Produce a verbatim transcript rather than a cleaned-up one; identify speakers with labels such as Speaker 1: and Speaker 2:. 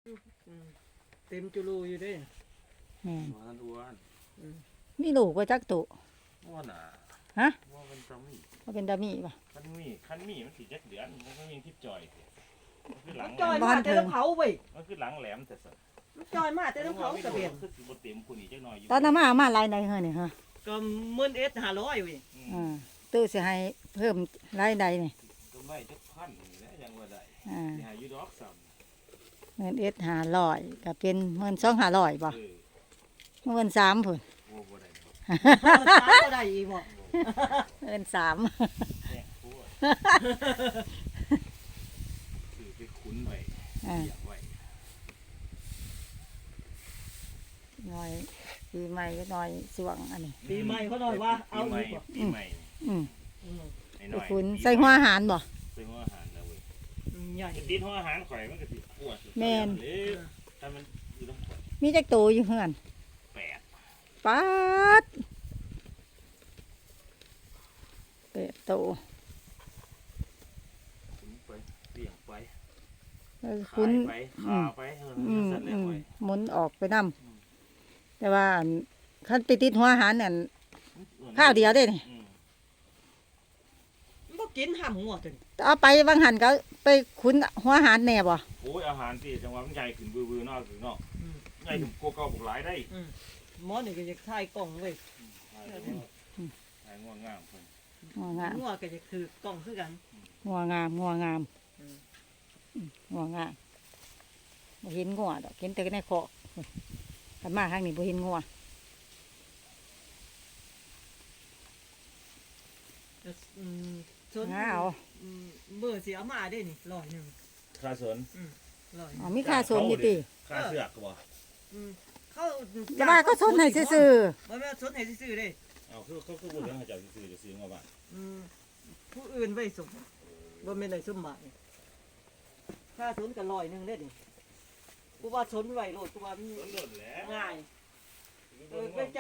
Speaker 1: เต็มจุลูอยู่เด้
Speaker 2: แม่น
Speaker 3: อ้วนอ้วน
Speaker 2: มีลูกบ่จักตุ
Speaker 3: อ้วนอ่ะ
Speaker 2: ฮะ
Speaker 3: ว่าเป็นตามี
Speaker 2: ว่าเป็นดามีป่ะ
Speaker 3: คันมีคันมีมันสีจักเดือนมันก็ยังทิพจอยมันคือหลัง
Speaker 1: จอยมาแต่ละเผาเว้ย
Speaker 3: มันคือหลังแหลมแต่สัตว์
Speaker 1: จอยมาแต่ละเผากระเบียน
Speaker 3: คือสิบเต็มคุณอีกจักหน่อยอยู่
Speaker 2: ตอนนั้นมามาหลายใดเฮ้อนี่ฮะ
Speaker 1: ก็หมื่นเอ็ดห้าร้อยเว้ย
Speaker 2: อ่าตู้สิให้เพิ่มรายได้นี่
Speaker 3: ก็ไม่จักพันนี่แหละยังว่าได้
Speaker 2: อ่า
Speaker 3: สิหาอยู่ดอกซ้
Speaker 2: เงินเอ็ดห้าร้อยก็เป็นเงินสองห้าร้อยป่ะ
Speaker 3: ำเออ
Speaker 2: เงินสามพุ่น
Speaker 3: โอ้บ่ได้ดอก
Speaker 1: สามก็ได้อีกบ่
Speaker 2: เงินสาม
Speaker 3: แม่พูดคือไปคุ้นไว้
Speaker 2: อ่า
Speaker 3: อยากไว้
Speaker 2: หน่อยปีใหม่ก็หน่อยสวงอันนี้
Speaker 1: ปีใหม่เขาหน่อยว่าเอา
Speaker 3: ปีใหม่
Speaker 1: อีกบ่
Speaker 3: ปีใหม่
Speaker 2: อืม
Speaker 1: อืม
Speaker 3: ไอ้
Speaker 2: ไป
Speaker 3: น้อย
Speaker 2: คุณ
Speaker 3: ปี
Speaker 2: ใส่หัวอาหารบ่
Speaker 3: ใส่หัวอาหารนะเว้ย
Speaker 1: อืมใหญ่
Speaker 3: จะติดหัวอาหารข่อยมันก็สิปวด
Speaker 2: แม่น
Speaker 3: เด้อถ้ามันอยู่ต้อง
Speaker 2: มีจักตูอยู่เฮือน
Speaker 3: แปด
Speaker 2: ป๊าดเป็ดโต
Speaker 3: คุ้นไปเลี้ยงไป
Speaker 2: แล้ว
Speaker 3: ขา
Speaker 2: คุณ
Speaker 3: ยไปขาไปเออ
Speaker 2: อืม
Speaker 3: สั่นแล้
Speaker 2: อื
Speaker 3: ว
Speaker 2: ม
Speaker 3: เว้ย
Speaker 2: หมุนออกไปนำ แต่ว่าอันคันไปติดหัวอาหารนั่นข้าวเดียวได้นี่
Speaker 3: อืม
Speaker 1: บ่กินห้ำงัวจน
Speaker 2: เอาไปบางหันก็ไปขุนหัวอาหารแหน่บ่
Speaker 3: โอ้ยอาหารที่จังหวะมันใหญ่ขึ้นวือๆเนอกถึงเนอก
Speaker 1: อืม
Speaker 3: ใหญ่ถึงโกเก่าบุกหลายได้
Speaker 1: อืมหมอนี่ก็อยากถ่ายกล้องเว้ย
Speaker 3: หายง่วงงามเพิ่น
Speaker 2: งัวงาม
Speaker 1: งัวก็อยากถือกล้องคือกัน
Speaker 2: งัวงามงัวงาม
Speaker 1: อืม
Speaker 2: อืมงัวงามบ่เห็นงัวดอกเห็นแต่ในคอกคันมาทางนี้บ่เห็นงัว
Speaker 1: อืมชน
Speaker 2: หาเอา
Speaker 1: อืมเมื่อสิเอามาได้นี่ร้อยหนึง
Speaker 3: ค่าสน
Speaker 1: ร้อยห
Speaker 2: อ๋
Speaker 1: นึ่
Speaker 2: อง มีค่าสนอยู่ติ
Speaker 3: ค่าเสือกบ่
Speaker 1: อืมเขา
Speaker 2: แต่ว่าก็สนให้ซื่อ
Speaker 1: บ่แม่นสนให้ซื่อๆเด้
Speaker 3: เอาคือเขาคือบ่เรื่องให้เจ้าซื้อจะซื้อมาบ้าน
Speaker 1: อืมผู้อื่นไว้สมบ่แม่นได้สมหมายค่าสนก็ร้อยหนึงเด้นี่กูว่าสนไว้โลดกูว่ามัน
Speaker 3: สนหล่นแล้ว
Speaker 1: ง่ายเออไป